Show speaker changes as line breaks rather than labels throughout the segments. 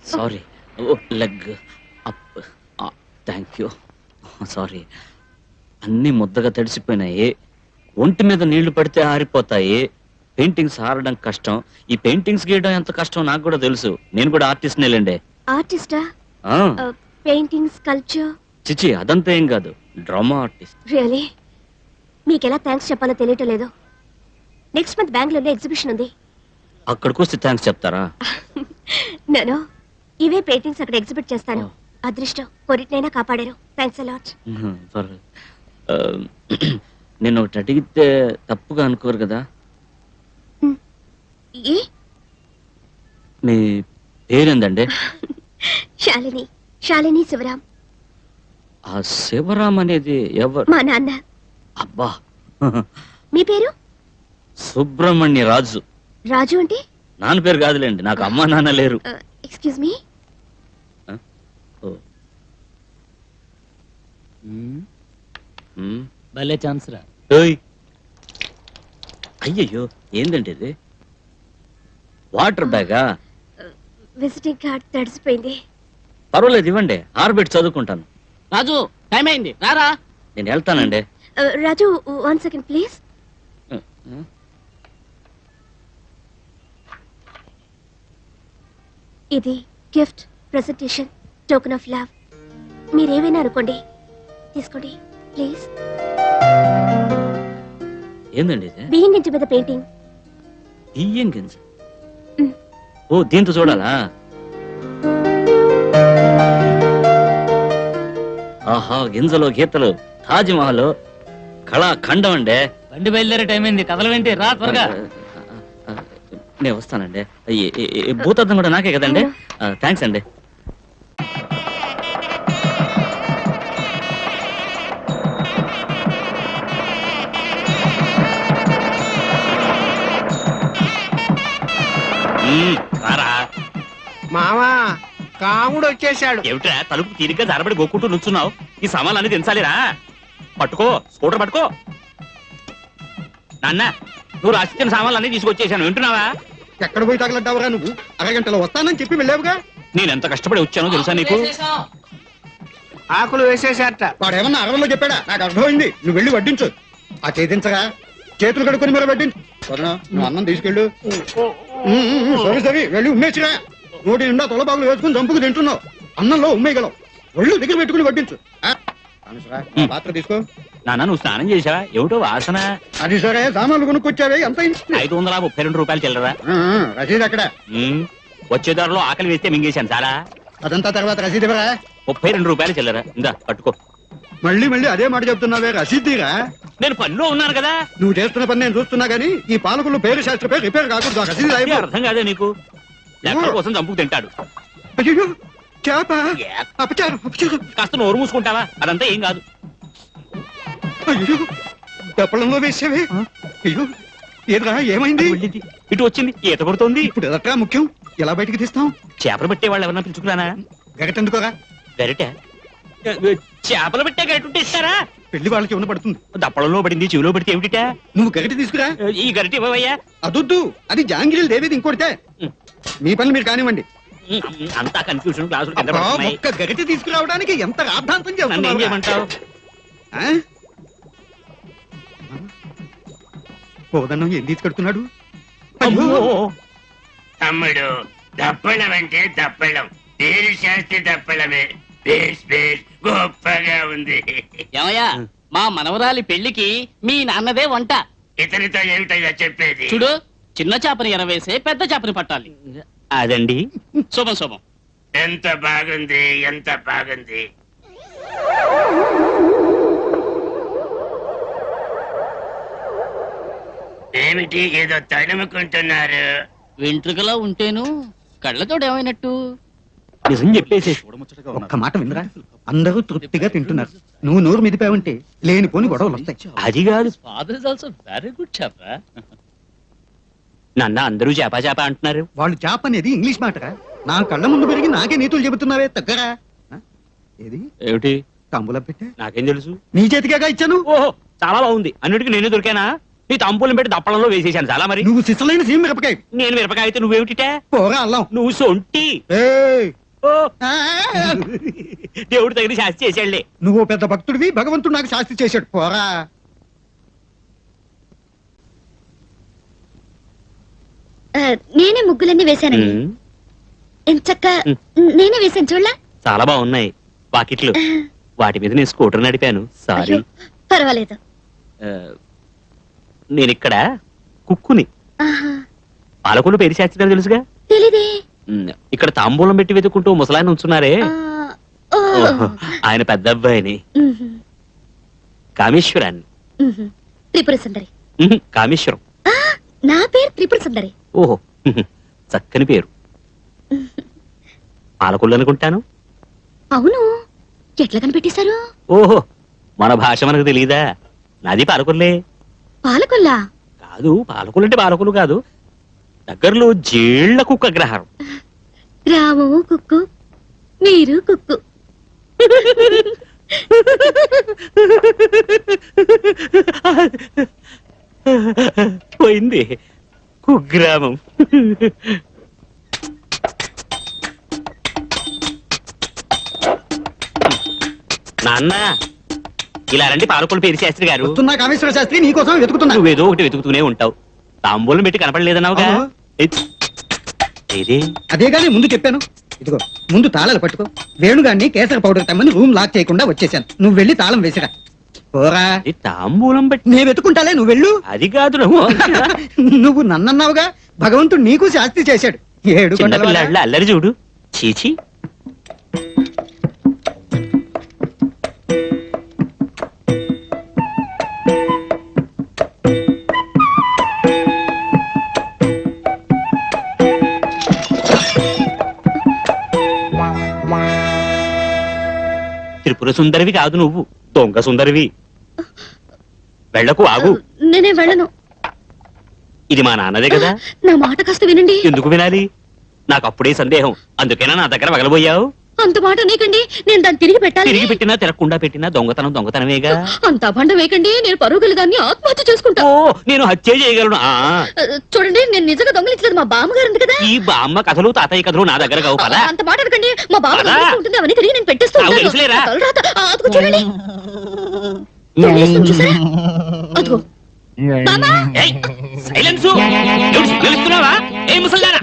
Sorry. Leg up. Thank you. Sorry. అన్నీ ముద్దగా తడిసిపోయినాయి. ఒంటి మీద నీళ్లు పడితే ఆరిపోతాయి. పెయింటింగ్స్ ఆరడం కష్టం. ఈ పెయింటింగ్స్ గీయడం ఎంత కష్టం నాకు కూడా తెలుసు. నేను కూడా ఆర్టిస్ట్ నేలండి.
ఆర్టిస్టా? Painting, sculpture?
చిచి, అదంతా ఏం కాదు. Drama artist.
రియలీ? మీకు ఎలా థ్యాంక్స్ చెప్పాలో తెలియటం లేదు. నెక్స్ట్ మంత్ బెంగళూరులో ఎగ్జిబిషన్ ఉంది.
అక్కడికి వస్తే థ్యాంక్స్ చెప్తారా?
నేను ఇవే పెయింటింగ్స్ అక్కడ ఎగ్జిబిట్ చేస్తాను. అదృష్టం కొరిటినైనా కాపాడారు. Thanks a lot.
నేను ఒకటి అడిగితే తప్పుగా అనుకోరు కదా? మీ పేరేందండి?
శాలిని. శాలిని శివరాం.
ఆ శివరాం అనేది ఎవరు?
మా నాన్న.
అబ్బా.
మీ పేరు?
సుబ్రహ్మణ్య రాజు.
రాజు అంటే?
నాన్న పేరు కాదులేండి, నాకు అమ్మా నాన్న లేరు.
Excuse me.
భలే ఛాన్స్ రా.
అయ్యయ్యో, ఏందండి ఇది? వాటర్ బ్యాగా?
విజిటింగ్ కార్డ్ తడిసిపోయింది.
పర్వాలేదు, ఇవ్వండి. ఆర్బిట్ చదువుకుంటాను.
రాజు, టైం అయింది, రారా.
నేను వెళ్తానండి.
Raju, 1 second please. ఇది gift, presentation, token of love. మీరేమైనా అనుకోండి, తీసుకోండి ప్లీజ్.
ఏందండి ఇది?
బియ్యం గింజ మీద పెయింటింగ్.
బియ్యం గింజ? ఓ, దీంతో చూడాలా? ఆహా, గింజలో గీతలు, తాజ్ మహల్, కళాఖండం అండి.
బండి బయలుదేరే టైం అయింది, కదలవేంటి, రా త్వరగా.
నేను వస్తానండి. భూతద్దం కూడా నాకే కదండి. థ్యాంక్స్ అండి.
మామా, కాముడు వచ్చేసాడు.
ఏమిట్రా తలుపు తీరిగ్గా జారబడి గోక్కుంటూ నుంచున్నావు? ఈ సామాన్లు అన్ని దించాలిరా. పట్టుకో, స్కూటర్ పట్టుకో. నాన్న, నువ్వు రాసిచ్చిన సామాన్లు అన్ని తీసుకొచ్చేసాను, వింటున్నావా?
ఎక్కడ పోయి తగలడ్డావురా నువ్వు? అరగంటలో వస్తానని చెప్పి వెళ్ళావుగా.
నేను ఎంత కష్టపడి వచ్చానో తెలుసా నీకు?
ఆకులు వేసేసారట. వాడు ఏమన్నా అరవలో చెప్పాడా? నాకు అర్థమైంది. నువ్వు వెళ్ళి వడ్డించు. ఆ చేతించగా చేతులు కడుక్కొని మరి వడ్డించు. నువ్వు అన్నం తీసుకెళ్ళు. సరే సరే, వెళ్ళి ఉమ్మేసిరా. నోటి నిండా తొలబాగులు వేసుకుని చంపుకు తింటున్నావు. అన్నంలో ఉమ్మేయగలవు. ఒళ్ళు దగ్గర పెట్టుకుని వడ్డించు. పాత్ర తీసుకో.
నాన్న, నువ్వు స్నానం చేసావా? ఏమిటో వాసన.
అది సరే, సామాన్లు కొనుక్కొచ్చావే, ఎంత
532 రూపాయలు చిల్లరా.
రసీదు అక్కడ.
వచ్చే దారిలో ఆకలి వేస్తే మింగేశాను చాలా.
అదంతా తర్వాత రసీదు ఇవ్వరా?
32 రూపాయలు చిల్లరా. ఇందా పట్టుకో.
మళ్ళీ మళ్ళీ అదే మాట చెప్తున్నావే, రసీదురా?
నేను పనిలో ఉన్నాను కదా.
నువ్వు చేస్తున్న పని నేను చూస్తున్నా గానీ ఈ పాలకులు పేరు శాస్త్ర పేరు రిపేర్ కాకూడదు. ఆ రసీదు రాయి.
అర్థం కాదే నీకు? లెక్కల కోసం చంపుకు తింటాడు.
అయ్యో, చేప. అపచారం, అపచారం.
కాస్త నోరు మూసుకుంటావా? అదంతా ఏం కాదు.
అయ్యో, దప్పడంలో వేసావే. అయ్యో, ఏదిరా, ఏమైంది?
ఇటు వచ్చింది, ఈత కొడుతోంది.
ఇప్పుడు ఎదట్రా ముఖ్యం? ఎలా బయటికి తీస్తాం?
చేపలు పెట్టే వాళ్ళు ఎవరన్నా పిలుచుకురానా?
గగటెందుకోరా?
గరిటె? చేపలు పెట్టే గరిట ఉంటే ఇస్తారా?
పెళ్లి వాళ్ళకి ఉన్న పడుతుంది.
దప్పడంలో పడింది, చెవిలో పడితే ఏమిటిటా?
నువ్వు గగటి తీసుకురా.
ఈ గరిట ఇవ్వవయ్యా.
అదొద్దు, అది జాంగిరీలు దేవేది ఇంకోటితే. మీ పనులు మీరు కానివ్వండి.
అంతా కన్ఫ్యూజన్. క్లాసులు
ఒక్క గగటి తీసుకురావడానికి ఎంత రాద్ధాంతం
ఏం చేయమంటావు?
పోదన్నం ఏం తీసుకెడుతున్నాడు?
తమ్ముడు, దప్పడం అంటే దప్పడం, పేరు శాస్త్రి దప్పడమే. బేస్ బేస్ గొప్పగా ఉంది.
ఏమయ్యా, మా మనవరాలి పెళ్లికి మీ నాన్నదే వంట.
ఇతనితో ఏమిటో చెప్పేది?
చూడు, చిన్న చేపని ఎరవేసే పెద్ద చేపని పట్టాలి.
అదండి.
శుభం శుభం.
ఎంత బాగుంది, ఎంత బాగుంది. ఏమిటి ఏదో తడుముకుంటున్నారు?
వెంట్రుకలా ఉంటేను కళ్ళతోడు ఏమైనట్టు?
నిజం చెప్పేసి
ఒక్క మాట వినరా, అందరూ తృప్తిగా తింటున్నారు. నువ్వు నోరు మిదిపావంటే లేనిపోని గొడవలు వస్తాయి.
అది కాదు.
Father is also very good చేప.
నాన్న, అందరూ చేప చేప అంటున్నారు.
వాళ్ళు చేప అనేది ఇంగ్లీష్ మాటరా. నా కళ్ళ ముందు పెరిగి నాకే నీతులు చెబుతున్నావే, తగ్గరా. ఏది
ఏమిటి?
తంబుల పెట్టే
నాకేం తెలుసు?
నీ చేతికేగా ఇచ్చాను.
ఓహో, చాలా బాగుంది. అన్నిటికీ నేనే దొరికానా? నీ తాంబూలం పెట్టి దప్పడంలో వేసేసాను చాలా మరి.
నువ్వు సిసలైన సీమ మిరపకాయ.
నేను మిరపకాయ అయితే నువ్వేమిటిటే?
పోరా అల్లం.
నువ్వు సొంటి.
ఏయ్!
ఓ
ఆ!
దేవుడు తగిన శాస్తి చేశాడులే.
నువ్వు పెద్ద భక్తుడివి, భగవంతుడు నాకు శాస్తి చేశాడు. పోరా.
నేనే ముగ్గులన్నీ వేశానండి.
ఉమ్,
ఎంచక్క నేనే వేశాను చూడలా.
చాలా బాగున్నాయి వాకిట్లు. వాటి మీద నేను స్కూటర్ నడిపాను. సారీ.
అయ్యో, పర్వాలేదు.
నేను ఇక్కడ కుక్కుని.
ఆహా,
పాలకొల్లు పేరు శాస్త్రి గారు తెలుసుగా.
తెలీదే.
ఇక్కడ తాంబూలం పెట్టి వెతుక్కుంటూ ముసలాయన ఉంచున్నారే,
ఆ, ఓ.
ఓహో, ఆయన పెద్ద అబ్బాయిని.
మ్హూ,
కామేశ్వరాన్ని.
మ్హూ. త్రిపుర సుందరి.
కామేశ్వరం.
ఆ, నా పేరు త్రిపుర సుందరి.
ఓహో, చక్కని పేరు. పాలకొల్లు అనుకుంటాను.
అవును, ఎట్లా కనిపెట్టేశారు?
ఓహో, మన భాష మనకు తెలియదా? నాది పాలకొల్లే.
పాలకొల్లా?
కాదు, పాలకొల్లు అంటే పాలకొల్లు కాదు, దగ్గరలో జేళ్ల కుక్క గ్రహారం.
రాము కుక్కు, మీరు కుక్కు.
పోయింది కుగ్రామం. నాన్న, ఇలా రండి పాలకొల్లు పేరు శాస్త్రి గారు.
వస్తున్నా కామేశ్వర శాస్త్రి, నీకోసం వెతుకుతున్నా.
నువ్వేదో ఒకటి వెతుకుతూనే ఉంటావు. తాంబూలం పెట్టి కనపడలేదన్నావుగా.
అవును.
ఏది?
అదే గానీ ముందు చెప్పాను. ఇదిగో ముందు తాళాలు పట్టుకో. వేణుగాన్ని కేసర పౌడర్ తెమ్మని రూమ్ లాక్ చేయకుండా వచ్చేసాను. నువ్వు వెళ్ళి తాళం వేసిరా. పోరా.
ఈ తాంబూలం పెట్టి
నేను వెతుకుంటాలే, నువ్వు వెళ్ళు.
అది కాదు నువ్వు.
నువ్వు నన్నన్నావుగా, భగవంతుడు నీకు శాస్తి చేశాడు. ఏడు కొండల వాడా.
చిన్నపిల్లాడిలా అల్లరి చూడు. చీచి. త్రిపుర సుందరివి కాదు నువ్వు, దొంగ సుందరివి. వెళ్ళకు, ఆగు.
నేనే వెళ్ళను.
ఇది మా నాన్నదే కదా.
నా మాట కాస్త వినండి.
ఎందుకు వినాలి? నాకు అప్పుడే సందేహం, అందుకేనా నా దగ్గర వగలబోయావు?
అంత మాట నీకండి, నేను దాన్ని తిరిగి పెట్టాలి.
తిరిగి పెట్టినా తిరగకుండా పెట్టినా దొంగతనం దొంగతనమేగా.
అంత అభండ వేయకండి, నేను పరుగులు దాన్ని ఆత్మహత్య చేసుకుంటా.
ఓ, నేను హత్య చేయగలను. ఆ
చూడండి, నేను నిజంగా దొంగలించలేదు, మా బామ్మగారు ఉంది కదా.
ఈ బామ్మ కథలు తాతయ్య కథలు నా దగ్గర కావు పదా.
అంత మాట అనకండి, మా బామ్మ
పద.
ఉంటుంది అవన్నీ తిరిగి నేను పెట్టేస్తూ
నాకు
ఉంటాను.
తెలుసులేరా?
ఆ తలరాత, అదిగో చూడండి. దొంగిలిస్తుంది చూసారా? అదిగో. బామ్మా!
ఏయ్, సైలెన్సు. ఎవడు సిగ్గులిస్తున్నావా? ఏయ్ ముసల్దారా,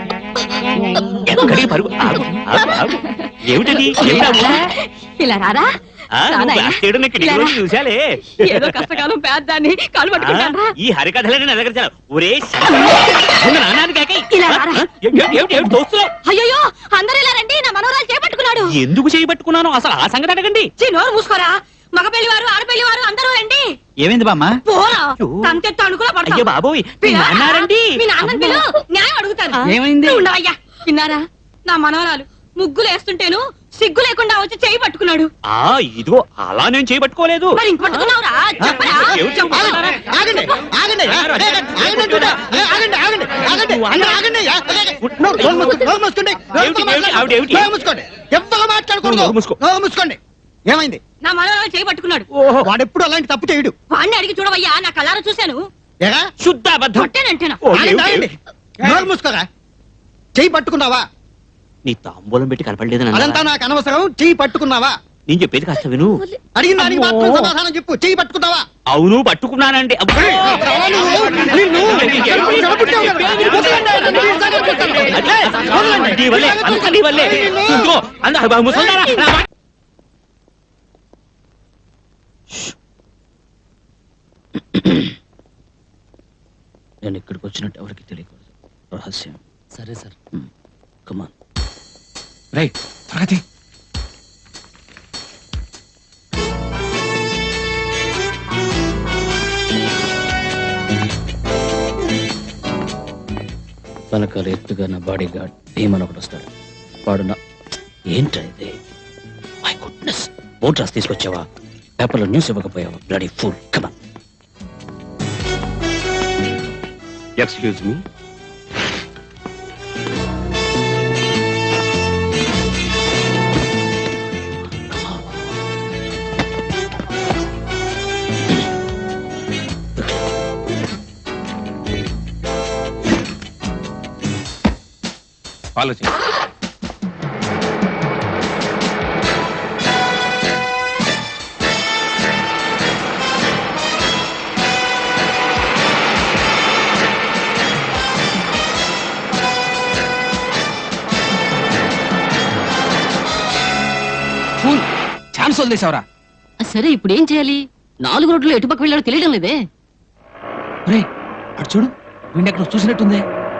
ఎక్కడికి పరుగు? ఆగు, ఆగు, ఆగు. ఏమిటది? ఏమిటా ఊరు?
ఇలా రారా
ఆ, నువ్వు బ్లాస్ట్ చేయడం నేను కిటికీ నుంచి చూశాలే.
ఏదో కష్టకాలం పేద్దాన్ని కాలు పట్టుకుంటాను
ఈ హరికథలని నా దగ్గర చాలా. ఒరే నాన్నకి
ఇలా రారా.
దోస్తున్నావు.
అయ్యో అందరూ ఇలా రండి, నా మనవరాలు చేపట్టుకున్నాడు.
ఎందుకు చేయబట్టుకున్నాను అసలు ఆ సంగతి అడగండి.
నోరు మూసుకోరా, మగ పెళ్లి వారు ఆడపెళ్లి వారు అందరూ రండి.
ఏమైంది బామ్మ?
పోరా,
అయ్యో.
తంతెత్తు అణుకులా
అయ్యో
పడతావు.
బాబోయ్, మీ నాన్నారండి.
మీ నాన్నని పిలు, న్యాయం అడుగుతాను.
ఏమైంది?
నువ్వు ఉండవయ్యా. విన్నారా, నా మనవరాలు ముగ్గులు వేస్తుంటేను సిగ్గు లేకుండా వచ్చి చేయి పట్టుకున్నాడు.
ఆ ఇదిగో అలా నేను చేయబట్టుకోలేదు.
మరి ఇంక పట్టుకున్నావురా? చెప్పరా?
ఏమిటి?
చెప్పరా?
ఆగండి, ఆగండి, ఆగండి అంటున్నా. ఆగండి, ఆగండి, ఆగండి, అందరూ ఆగండి. నోరు మూసుకోండి, నోరు మూసుకోండి,
ఏమిటి, ఏమిటి, ఆవిడ ఏమిటి?
నోరు మూసుకోండి. ఎవ్వరూ మాట్లాడకూడదు.
నోరు మూసుకో.
నోరు మూసుకోండి. ఏమైంది?
నా మనవరాలు చేయి పట్టుకున్నాడు.
ఓహో,
వాడెప్పుడు అలాంటి తప్పు చేయడు.
వాడిని అడిగి చూడవయ్యా, నా కళ్ళారా చూశాను.
ఎరా?
శుద్ధ అబద్ధం.
కొట్టానంటేనా?
ఓ,
ఆగండి,
ఏమిటి?
ఆగండి. నోరు మూసుకోరా. చెయ్యి పట్టుకున్నావా?
నీ తాంబూలం పెట్టి కనపడలేదని
అదంతా
అన్నావా?
నాకు అనవసరం. చెయ్యి పట్టుకున్నావా?
నేను చెప్పేది కాస్త విను.
అడిగిన దానికి
అమ్మో.
మాత్రం సమాధానం చెప్పు. చెయ్యి పట్టుకున్నావా?
అవును పట్టుకున్నానండి. అబ్బో. అదే, నీ వల్లే, అంతా నీ వల్లే. ఇదిగో, ముసల్దారా, నా మాట. నేను ఇక్కడికి వచ్చినట్టు ఎవరికి తెలియకూడదు. రహస్యం.
సరే సార్.
కమాన్.
రైట్, త్వరగా
వెనకాల ఎత్తుగా నా బాడీ గార్డ్ భీమన్ ఒకటి వస్తాడు. వాడు నా ఏంట్రా ఇది? మై గుడ్నెస్, బోట్ రాసి తీసుకొచ్చావా? పేపర్లో న్యూస్ ఇవ్వకపోయావా? Bloody fool. Come on. Excuse me.
Follow చేయి. ఛాన్స్ వదిలేసావరా?
సరే ఇప్పుడు ఏం చేయాలి? 4 రోడ్లు ఎటుపక్క వెళ్ళాడో తెలియడం లేదే.
రే అటు చూడు, వీడిని ఎక్కడ చూసినట్టుంది.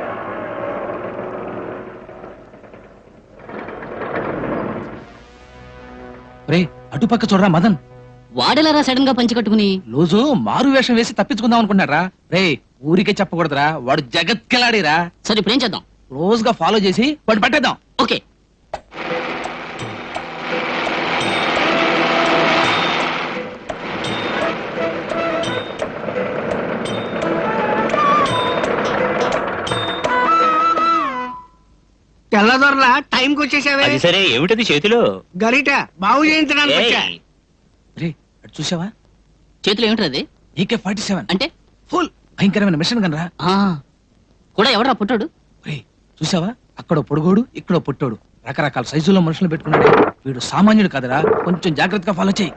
రే అటుపక్క చూడరా మదన్.
వాడెలారా సడన్ గా పంచి కట్టుకుని?
రోజు మారు వేషం వేసి తప్పించుకుందాం అనుకున్నారా? రే ఊరికే చెప్పకూడదురా, వాడు జగత్కెలాడిరా.
సరే ఇప్పుడు ఏం చేద్దాం?
క్లోజ్ గా ఫాలో చేసి వాడు పట్టేద్దాం.
ఓకే.
తెల్లదొరలా టైంకి వచ్చేసావే.
అది సరే, ఏమిటది చేతిలో?
గరిట బాగు చేయించడానికి వచ్చా.
ఏయ్,
రే అటు చూసావా?
చేతిలో ఏమిటది?
AK-47
అంటే
ఫుల్ భయంకరమైన మిషన్ గన్ రా.
ఆ కూడా ఎవడరా పుట్టాడు?
రే చూసావా? అక్కడ పొడుగోడు, ఇక్కడ పుట్టోడు, రకరకాల సైజుల్లో మనుషులు పెట్టుకున్నాడు. వీడు సామాన్యుడు కాదురా, కొంచెం జాగ్రత్తగా ఫాలో చేయి.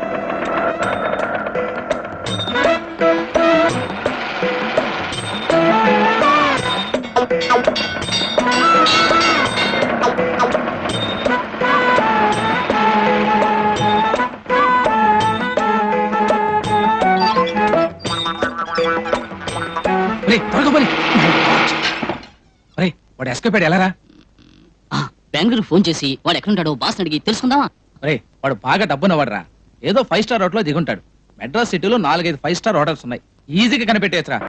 రే త్వరగా పని. రే వాడు ఎస్కేప్ అయ్యాడు, ఎలారా?
బెంగళూరు ఫోన్ చేసి వాడు ఎక్కడుంటాడో బాస్ అడిగి తెలుసుకుందామా?
రే వాడు బాగా డబ్బున్నవాడురా, ఏదో 5 స్టార్ హోటల్లో దిగుంటాడు. మెడ్రాస్ సిటీలో 4-5 5 స్టార్ హోటల్స్ ఉన్నాయి, ఈజీగా కనిపెట్టేయచ్చురా.